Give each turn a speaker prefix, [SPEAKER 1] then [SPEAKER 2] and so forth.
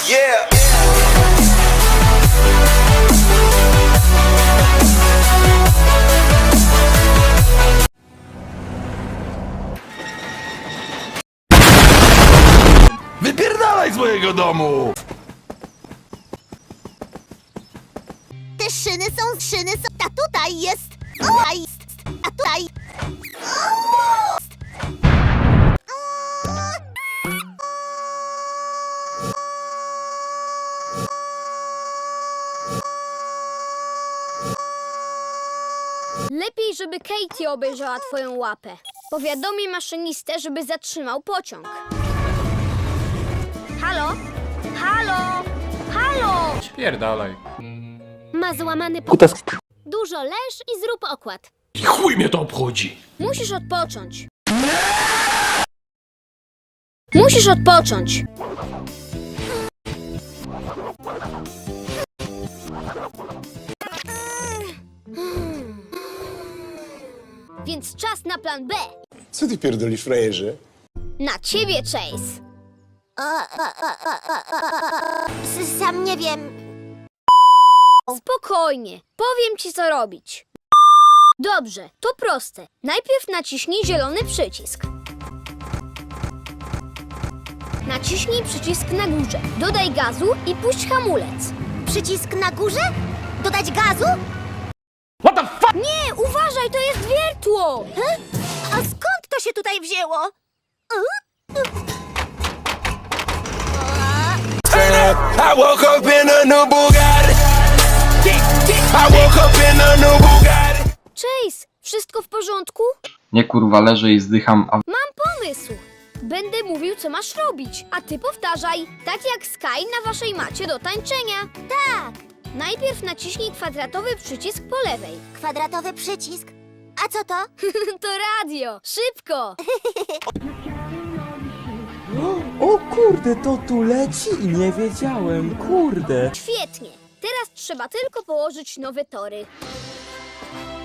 [SPEAKER 1] Yeah.
[SPEAKER 2] Wypierdalaj z mojego domu!
[SPEAKER 3] Te szyny są, a tutaj jest, a tutaj.
[SPEAKER 4] Lepiej, żeby Katie obejrzała twoją łapę. Powiadomię maszynistę, żeby zatrzymał pociąg. Halo? Halo? Halo?
[SPEAKER 5] Pierdalaj.
[SPEAKER 4] Ma złamany
[SPEAKER 6] Kutas.
[SPEAKER 4] Dużo leż i zrób okład.
[SPEAKER 2] I chuj mnie to obchodzi!
[SPEAKER 4] Musisz odpocząć. Musisz odpocząć. Więc czas na plan B.
[SPEAKER 7] Co ty pierdolisz, frajerze?
[SPEAKER 4] Na ciebie, Chase.
[SPEAKER 3] Sam nie wiem.
[SPEAKER 4] Spokojnie. Powiem ci, co robić. Dobrze, to proste. Najpierw naciśnij zielony przycisk. Naciśnij przycisk na górze. Dodaj gazu i puść hamulec.
[SPEAKER 3] Przycisk na górze? Dodać gazu?
[SPEAKER 2] What the fuck?
[SPEAKER 4] Nie, uważaj, to jest wiertło!
[SPEAKER 3] A skąd to się tutaj wzięło?
[SPEAKER 1] I woke up in a new Bugatti. I woke up in a new Bugatti.
[SPEAKER 4] Chase, wszystko w porządku?
[SPEAKER 6] Nie kurwa, leżę i zdycham, a
[SPEAKER 4] Mam pomysł. Będę mówił, co masz robić, a ty powtarzaj, tak jak Sky na waszej macie do tańczenia.
[SPEAKER 3] Tak,
[SPEAKER 4] Najpierw naciśnij kwadratowy przycisk po lewej.
[SPEAKER 3] kwadratowy przycisk. A co to?
[SPEAKER 4] To radio, szybko!
[SPEAKER 8] O kurde, to tu leci i nie wiedziałem, kurde.
[SPEAKER 4] Świetnie. Teraz trzeba tylko położyć nowe tory.